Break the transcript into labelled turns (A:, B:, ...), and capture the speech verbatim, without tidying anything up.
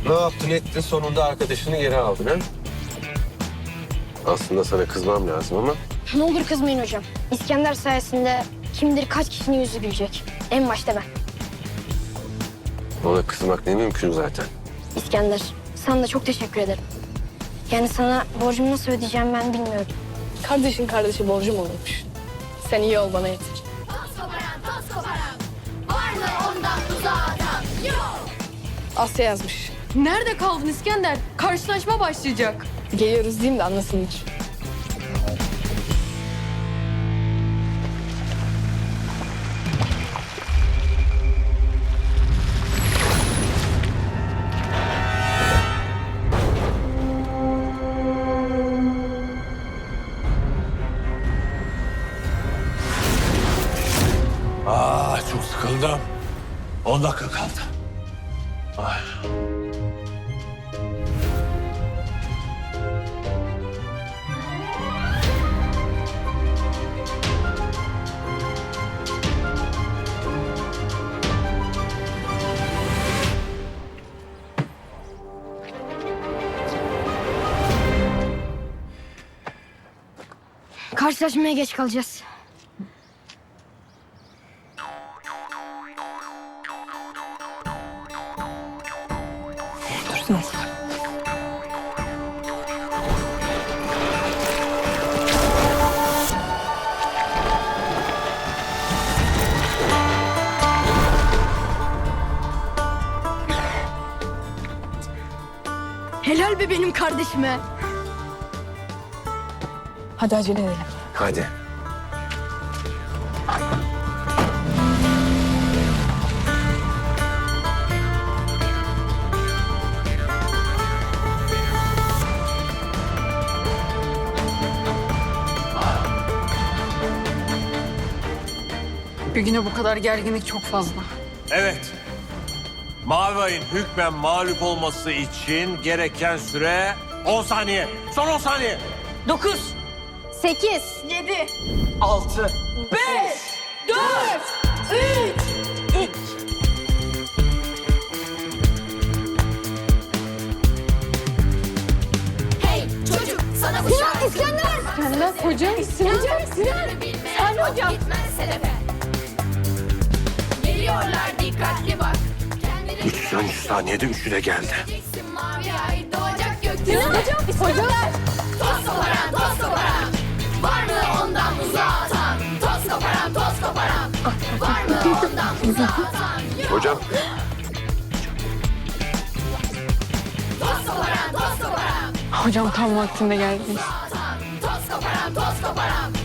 A: Ne yaptın ettin sonunda arkadaşını geri aldın ha? Aslında sana kızmam lazım ama
B: Ne olur kızmayın hocam. İskender sayesinde kim bilir kaç kişinin yüzü gülecek. En başta ben.
A: ona kızmak ne mümkün zaten.
B: İskender, sana da çok teşekkür ederim. Yani sana borcumu nasıl ödeyeceğim ben bilmiyorum.
C: Kardeşin kardeşi borcum olurmuş. Sen iyi ol bana yeter.
D: Toz koparan, toz koparan. Varlığı ondan uzağa atan. Yok.
C: Asya yazmış.
E: Nerede kaldın İskender? Karşılaşma başlayacak.
C: Geliyoruz diyeyim de anlasınlar.
F: Aa, çok sıkıldım. On dakika kaldı. Ay.
B: Karşılaşmaya geç kalacağız.
C: Dursun.
B: Helal be benim kardeşime.
C: Hadi acele edelim.
A: Hadi.
E: Bir güne bu kadar gerginlik çok fazla.
F: Evet. Mavi ayın hükmen mağlup olması için gereken süre on saniye. Son on saniye.
E: Dokuz,
B: Sekiz.
E: yedi,
F: Altı.
E: beş, dört, üç, iki.
D: Hey çocuk sana bu şarkı.
B: İskender.
E: İskender hocam, Sinan.
D: Sinan. Sen hocam. Gitmez hedefe. Geliyorlar dikkatli bak. Kendini
A: Üç, üç saniyede üçü de geldi.
D: bileceksin, mavi ay doğacak gökyüzüne.
E: Sinan hocam, hocam.
D: Toz koparan, toz koparan. Varlığı ondan uzağa atan. Toz koparan, toz koparan. Varlığı ondan uzağa atan. Yok.
A: Hocam
D: Toz koparan, toz koparan.
E: Hocam tam vaktinde geldiniz.
D: Atan. Toz koparan, toz koparan.